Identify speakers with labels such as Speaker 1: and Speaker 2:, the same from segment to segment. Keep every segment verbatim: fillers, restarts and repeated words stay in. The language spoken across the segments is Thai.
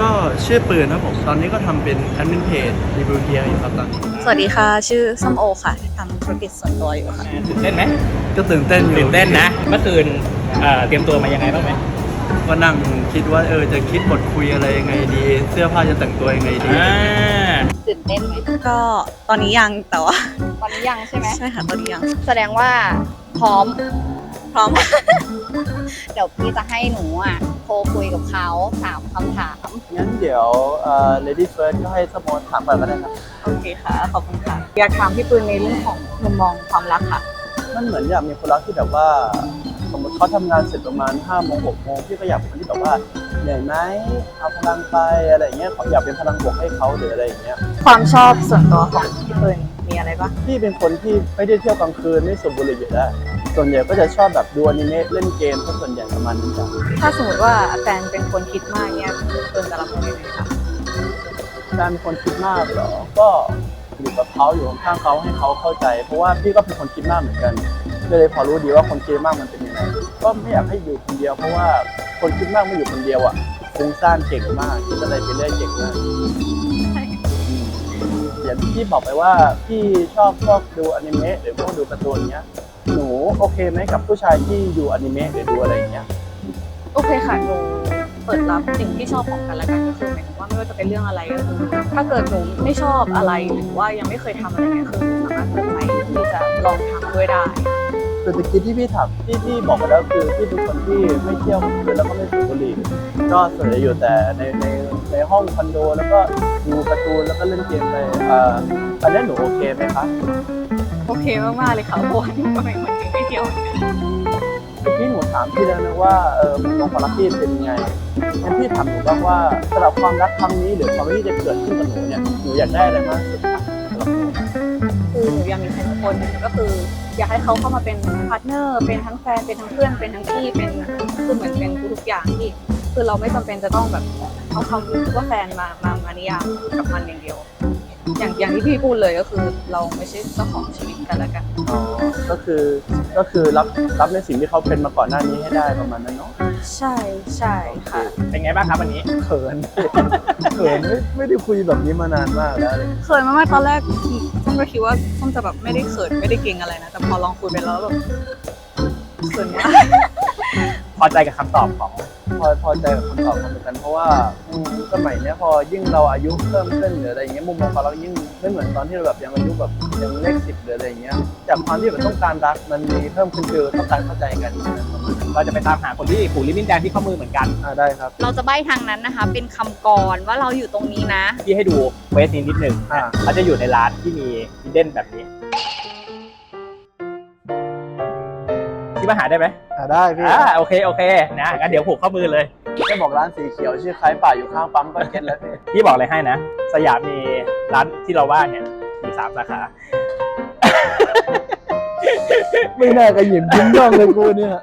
Speaker 1: ก็ชื่อปืนครับผมตอนนี้ก็ทำเป็นแอดมินเพจรีวิวเกียร์อยู่ครับตอนนี้
Speaker 2: สวัสดีค่ะชื่อส้มโอค่ะทำธุรกิจส่วนตัวอยู่ค่ะ
Speaker 3: ตื่นเต้นไหม
Speaker 1: ก็ตื่นเต้นอยู่
Speaker 3: ตื่นเต้นนะเมื่อคืนเอ่อเตรียมตัวมายังไงบ้างไหม
Speaker 1: ก็นั่งคิดว่าเออจะคิดบทคุยอะไรยังไงดี เสื้อผ้าจะแต่งตัวยังไงดี
Speaker 2: ตื่นเต้นไหมก็ตอนนี้ยังแต่ว่า
Speaker 4: ตอนนี้ยังใช่ไหม
Speaker 2: ใช่ค่ะตอนนี้ยัง
Speaker 4: แสดงว่าพร้อม
Speaker 2: พร้อม
Speaker 4: เดี๋ยวพี่จะให้หนูอ่ะโทรคุยกับเขาถามคำถาม
Speaker 1: งั้นเดี๋ยวเอ่อ lady first ก็ให้สมมติถามก่อนก็ได้ครับ
Speaker 2: โอเคค่ะขอบคุณค่ะอยากถามพี่ปืนในเรื่องของมุมมองความรักค่ะ
Speaker 1: มันเหมือนอยากมีคนรักที่แบบว่าสมมติเขาทำงานเสร็จประมาณห้าโมงหกโมงพี่ก็อยากเป็นคนที่แบบว่าเหนื่อยไหมเอาพลังไปอะไรเงี้ยอยากเป็นพลังบวกให้เขาหรืออะไรอย่างเงี้ย
Speaker 2: ความชอบส่วนตัวของพี่ปืนมีอะไรบ้าง
Speaker 1: พี่เป็นคนที่ไม่ได้เที่ยวกลางคืนไม่สูบบุหรี่อยู่แล้วส่วนใหญ่ก็จะชอบแบบดูอนิเมะเล่นเกมก็ส่วนใหญ่ประมาณนั้นจ้ะ
Speaker 2: ถ้าสมมติว่าแฟนเป็นคนคิดมากเนี่ยพี่ปืนจะรับมือยังไงคะ
Speaker 1: แฟนเป็นคนคิดมากเหรอก็อยู่กับเขาอยู่ข้างเขาให้เขาเข้าใจเพราะว่าพี่ก็เป็นคนคิดมากเหมือนกันเลยพอรู้ดีว่าคนคิดมากมันเป็นยังไงก็ไม่อยากให้อยู่คนเดียวเพราะว่าคนคิดมากไม่อยู่คนเดียวอ่ะฟุ้งซ่านเก่งมากคิดอะไรไปเรื่อยเก่งมากอย่างที่พี่บอกไปว่าพี่ชอบชอบดูอนิเมะหรือพวกดูการ์ตูนเนี้ยหนูโอเคไหมกับผู้ชายที่ดูอนิเมะหรือดูอะไรอย่างเงี้ย
Speaker 2: โอเคค่ะหนูเปิดรับสิ่งที่ชอบของกันและกันก็คือหมายถึงว่าไม่ว่าจะเป็นเรื่องอะไรก็คือถ้าเกิดหนูไม่ชอบอะไรหรือว่ายังไม่เคยทำอะไรเงี้ยคือหนูสามารถเปิดใจที่จะลองทำด้วยได้
Speaker 1: คือตะกี้ที่พี่ถามที่พี่บอกไปแล้วคือพี่เป็นคนที่ไม่เที่ยวกลางคืนแล้วก็ไม่สูบบุหรี่ก็ส่วนใหญ่อยู่แต่ในในในห้องคอนโดแล้วก็ดูการ์ตูนแล้วก็เล่นเกมไปอ่าอันนี้หนูโอเคไหมคะ
Speaker 2: โอเคมากๆเลยค่ะเพราะว่าหนูก็เป็นคนที่ไม่เที่ยวเหมือนกัน
Speaker 1: พี่หนูถามพี่แล้วนะว่าเออมุมมองความรักพี่เป็นยังไงงั้นพี่ถามหนูบ้างว่าสำหรับความรักครั้งนี้หรือความรักที่จะเกิดขึ้นกับหนูเนี่ยหนูอยากได้อะไรมากสุดคะ
Speaker 2: คือหนูอยากมีใครสักคนก็คืออยากให้เขาเข้ามาเป็นพาร์ทเนอร์เป็นทั้งแฟนเป็นทั้งเพื่อนเป็นทั้งพี่เป็นคือเหมือนเป็นทุกอย่างที่คือเราไม่จำเป็นจะต้องแบบเอาคำรู้สึกว่าแฟนมามามานิยามกับมันอย่างเดียวอย่างอย่างที่พี่พูดเลยก็คือเราไม่ใช่เจ้าของชีวิตกันแล้วกัน
Speaker 1: อ๋อก็คือก็คือรับรับในสิ่งที่เขาเป็นมาก่อนหน้านี้ให้ได้ประมาณนั้นเนาะ
Speaker 2: ใช่ใช่ค่ะ
Speaker 3: เป็นไงบ้างครับวันนี้
Speaker 1: เขินเขินไม่ไม่ได้คุยแบบนี้มานานมากแล้ว
Speaker 2: เขินมากๆตอนแรกส้มก็คิดว่าส้มจะแบบไม่ได้เขินไม่ได้เก่งอะไรนะแต่พอลองคุยไปแล้วแบบเขินมาก
Speaker 3: พอใจกับคำตอบของ
Speaker 1: พอพอใจกับคำตอบเหมือนกันเพราะว่าสมัยนี้พอยิ่งเราอายุเพิ่มขึ้นหรืออะไรอย่างเงี้ยมุมมองของเรายิ่งไม่เหมือนตอนที่เราแบบยังอายุแบบยังเลขสิบหรืออะไรอย่างเงี้ยจากความที่แบบต้องการรักมันมีเพิ่มขึ้นคือต้องการเข้าใจกัน
Speaker 3: เราจะไปตามหาคนที่ผูกลิบบิ้นแดงที่ข้อมือเหมือนกัน
Speaker 1: อ่าได้ครับ
Speaker 4: เราจะใบ้ทางนั้นนะคะเป็นคำกรว่าเราอยู่ตรงนี้นะ
Speaker 3: ที่ให้ดูเวสนิดหนึ่งเขาจะอยู่ในร้านที่มีฮิดเด้นแบบนี้ที่มาหาได้ไหม
Speaker 1: อ่าได้พี่
Speaker 3: อ่าโอเคโอเคนะงั้นเดี๋ยวผูกข้อมือเลย
Speaker 1: จะบอกร้านสีเขียวชื่อคล้ายป่าอยู่ข้างปั๊มก็เก็ตแล้วพี่
Speaker 3: พี่บอกเลยให้นะสยามมีร้านที่เราว่าเนี่ยมีสามสาขา
Speaker 1: ไม่น่ากระหยิบยิ้มย่องเลยกูเนี่ย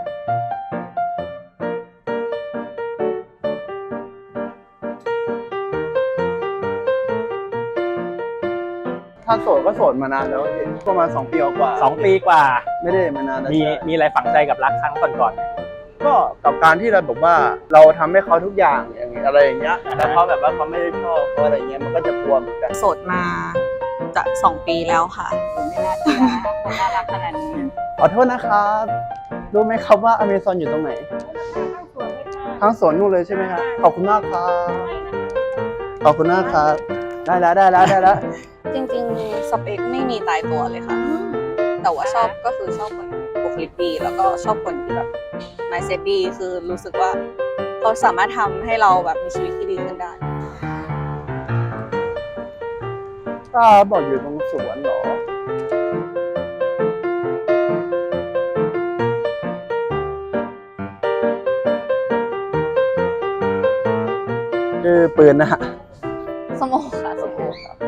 Speaker 1: ถ้าโสดก็โสดมานานแล้วประมาณสองปีกว่า
Speaker 3: สองปีกว่า
Speaker 1: ไม่ได้มานานแล้ว
Speaker 3: มีมีอะไรฝังใจกับรักครั้งก่อน
Speaker 1: ๆก็กับการที่เราบอกว่าเราทำให้เขาทุกอย่างอย่างอะไรอย่างเงี้ยแล้วเขาแบบว่าเขาไม่ได้ชอบเขาอะไรเงี้ยมันก็จะกลัวเหมือนกัน
Speaker 2: โสดมาจะสองปีแล้วค่ะ
Speaker 4: ไม่น่าเชื่อน่ารักขนาดนี้
Speaker 1: ขอโทษนะครับรู้ไหมครับว่าอเมซอนอยู่ตรงไหนทั้งสวนนู่นเลยใช่ไหมครับขอบคุณมากครับขอบคุณมากครับได้แล้วได้แล้วได้แล้ว
Speaker 2: จริงๆสเปคไม่มีตายตัวเลยค่ะแต่ว่าชอบก็คือชอบคนบุคลิกดีแล้วก็ชอบคนที่แบบนายเซฟดีคือรู้สึกว่าเขาสามารถทำให้เราแบบมีชีวิตที่ดีขึ้นได้
Speaker 1: ก็บอกอยู่ตรงสวนเหรอคือปืนนะฮะ
Speaker 2: สมองค่ะสมองค่ะ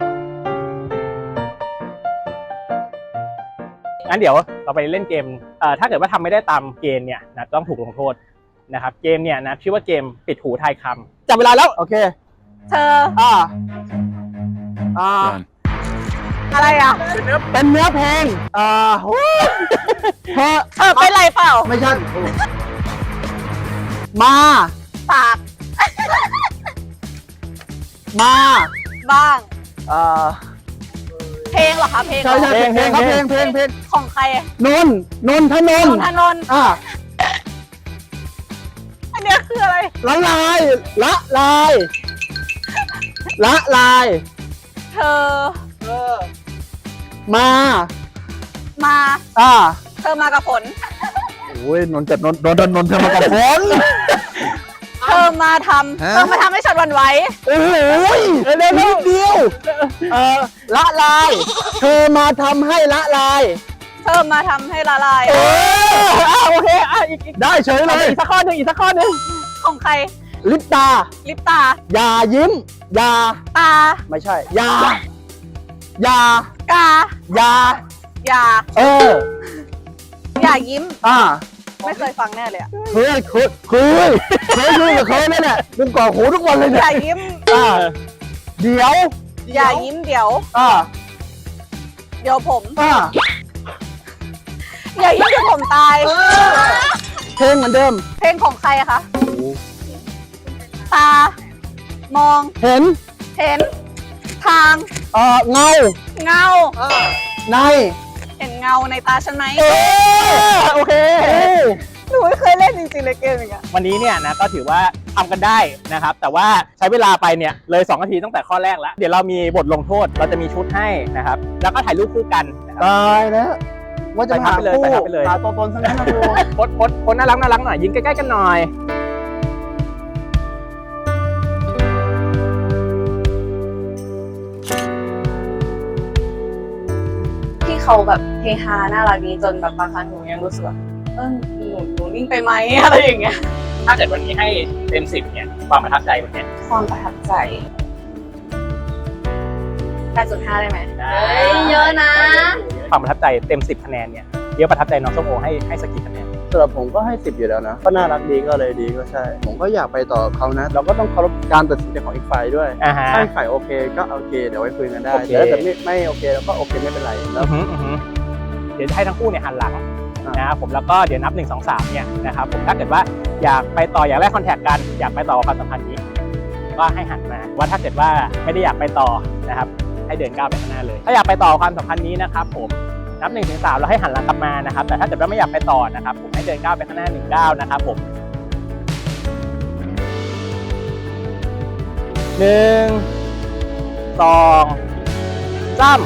Speaker 3: งั้นเดี๋ยวเราไปเล่นเกมเอ่อถ้าเกิดว่าทำไม่ได้ตามเกณฑ์เนี่ยนะต้องถูกลงโทษนะครับเกมเนี่ยนะชื่อว่าเกมปิดหูทายคำจับเวลาแล้ว
Speaker 1: โอเค
Speaker 2: เธอ
Speaker 1: อ่าอ่า
Speaker 2: อะไรอ่ะ
Speaker 1: เป็นเนื้อเป็นเนื้อเพลงอ่าโอ้
Speaker 2: เธอเออเป็นไรเปล่า
Speaker 1: ไม่ใช่มา
Speaker 2: ปาก
Speaker 1: มา
Speaker 2: บ้าง
Speaker 1: อ่า
Speaker 2: เพลงเหรอคะเพลงเหร
Speaker 1: ใช่
Speaker 2: อ
Speaker 1: ใช่เพลงครับเพลงเพลงเพลง
Speaker 2: ของใคร
Speaker 1: นนท์นนทนน
Speaker 2: น
Speaker 1: ท์
Speaker 2: นทนนท์
Speaker 1: อ่า
Speaker 2: อันเนี้ยคืออะไร
Speaker 1: ละลายละลายละลาย
Speaker 2: เธอ
Speaker 1: มา
Speaker 2: มา
Speaker 1: อ่า
Speaker 2: เธอมากับฝน
Speaker 1: โอ้ยนนท์จัดนนท์นนท์นนท์เธอมากับฝน
Speaker 2: เธอมาทำเธอมาทำให้ฉันหวั่นไหว
Speaker 1: โอ้ยเร็วนิดเดียวเออละลาย เธอมาทำให้ละลาย
Speaker 2: เธอมาทำให้ละลาย
Speaker 1: เออ
Speaker 3: อ่ะโอเคอ่ะอีกอีก
Speaker 1: ได้เฉยเลย
Speaker 3: อีกสักข้อหนึ่งอีกสักข้อหนึ่ง
Speaker 2: ของใคร
Speaker 1: ลิปตา
Speaker 2: ลิปตา
Speaker 1: อย่ายิ้ม อย่า
Speaker 2: ตา
Speaker 1: ไม่ใช่ อย่า อย่า
Speaker 2: กา
Speaker 1: อย่า
Speaker 2: อย่า
Speaker 1: เออ
Speaker 2: อย่ายิ้ม
Speaker 1: อ่า
Speaker 2: ไม่เคยฟังแน่เลยอะ
Speaker 1: เคยเคยเคยเคยคุยกับเคยเลยเนี่ยมึงก่อหูทุกวันเลย
Speaker 2: อ
Speaker 1: เนี่ย
Speaker 2: ย่ายิ้ม
Speaker 1: อ่า เดี๋ยว
Speaker 2: อย่ายิ้มเดี๋ยว
Speaker 1: อ่า
Speaker 2: เดี๋ยวผม
Speaker 1: อ่า
Speaker 2: อย่ายิ้มเดี๋ยวผมตาย
Speaker 1: เพลงเหมือนเดิม
Speaker 2: เพลงของใครอะคะ ตา มอง
Speaker 1: เห็น
Speaker 2: เห็น ทาง
Speaker 1: เอ่อเงา
Speaker 2: เงา
Speaker 1: ใน
Speaker 2: เห็นเงาในตาฉันไหม
Speaker 1: เออโอเค
Speaker 2: หนูไม่เคยเล่นจริงๆเลยเกมอย่างเงี้ย
Speaker 3: วันนี้เนี่ยนะก็ถือว่าทำกันได้นะครับ แต่ว่าใช้เวลาไปเนี่ยเลยสองนาทีตั้งแต่ข้อแรกแล้ว เดี๋ยวเรามีบทลงโทษเราจะมีชุดให้นะครับ แล้วก็ถ่ายรูปคู่กันนะครับ
Speaker 1: ตายแล้วว่าจะหา
Speaker 3: ไปทับไปเลย
Speaker 1: คู่
Speaker 3: ไปทับไปเลย
Speaker 1: หาตัวตนซะงั้นนะครู
Speaker 3: โพสต์โพสต์โพสต์น่ารักน่ารักหน่อยยิงใกล้ๆกันหน่อย
Speaker 2: ที่เขาแบบเฮฮาน่ารักดีจนแบบบางครั้งหนูยังรู้สึกว่าเออหนูหนูนิ่งไปไหมอะไรอย่างเงี้ย
Speaker 3: ถ้าเกิดวันนี้ให้เต็มสิบเนี่ยความประทับใจวันเนี้ย
Speaker 2: ความประทับใจแปดจุดห้าได้ไหม
Speaker 4: เยอะนะ
Speaker 3: ความประทับใจเต็มสิบคะแนนเนี่ยเดี๋ยวประทับใจน้องส้มโอให้ให้สักกี่คะแนน
Speaker 1: สำหรับผมก็ให้สิบอยู่แล้วนะก็น่ารักดีก็เลยดีก็ใช่ ผมก็อยากไปต่อกับเขานะ เราก็ต้องเคารพการตัดสินใจของอีกฝ่ายด้วย
Speaker 3: อ่าฮะ
Speaker 1: ถ้าอีกฝ่ายโอเคก็โอเคเดี๋ยวไว้คุยกันได้
Speaker 3: โอเค
Speaker 1: แต่ถ้าเกิดไม่ไม่โอเคเราก็โอเคไม่เป็นไรแล้
Speaker 3: อื
Speaker 1: ว
Speaker 3: อหืออือหือเดี๋ยวจะให้ทั้งคู่เนี่ยหันหลัง
Speaker 1: อ่าน
Speaker 3: นะครับผมแล้วก็เดี๋ยวนับหนึ่งสองสามเนี่ยนะครับผมถ้าเกิดว่าอยากไปต่ออยากแลกคอนแทคกันอยากไปต่อความสัมพันธ์นี้ก็ให้หันมาว่าถ้าเกิดว่าไม่ได้อยากไปต่อนะครับให้เดินก้าวไปข้างหน้าเลย ถ้าอยากไปต่อความสัมพันธ์นี้นะครับผมนับหนึ่งถึงสามแล้วให้หันหลังกลับมานะครับแต่ถ้าเกิดว่าไม่อยากไปต่อนะครับผมให้เดินก้าวไปข้างหน้าหนึ่งก้าวนะครับผมหนึ่งสองสาม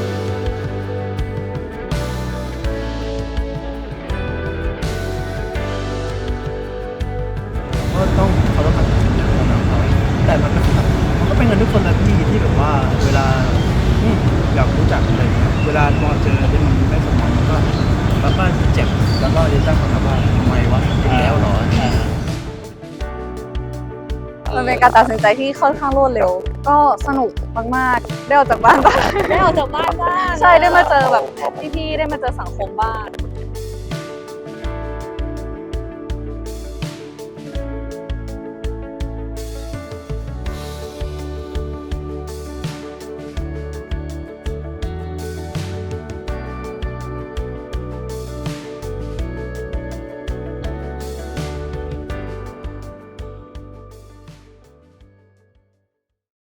Speaker 5: ก็ต้องเคารพการตัดสินใจของเขาแต่มันก็มันก็เป็นกันทุกคนนะพี่ที่แบบว่าเวลาอืมอยากรู้จักอะไรเงี้ยเวลาพอเจอที่มันไม่สมหวังมันก็มันก็เจ็บแล้วก็เรียนตั้งคำถามว่าทำไมวะอีกแล้วเหรอ
Speaker 2: มันเป็นการตัดสินใจที่ค่อนข้างรวดเร็ว ก็สนุกมากๆได้ออกจากบ้านบ้าง
Speaker 4: ได้ออกจากบ้านบ้าง
Speaker 2: ใช่ได้มาเจอแบบพี่ๆได้มาเจอสังคมบ้าง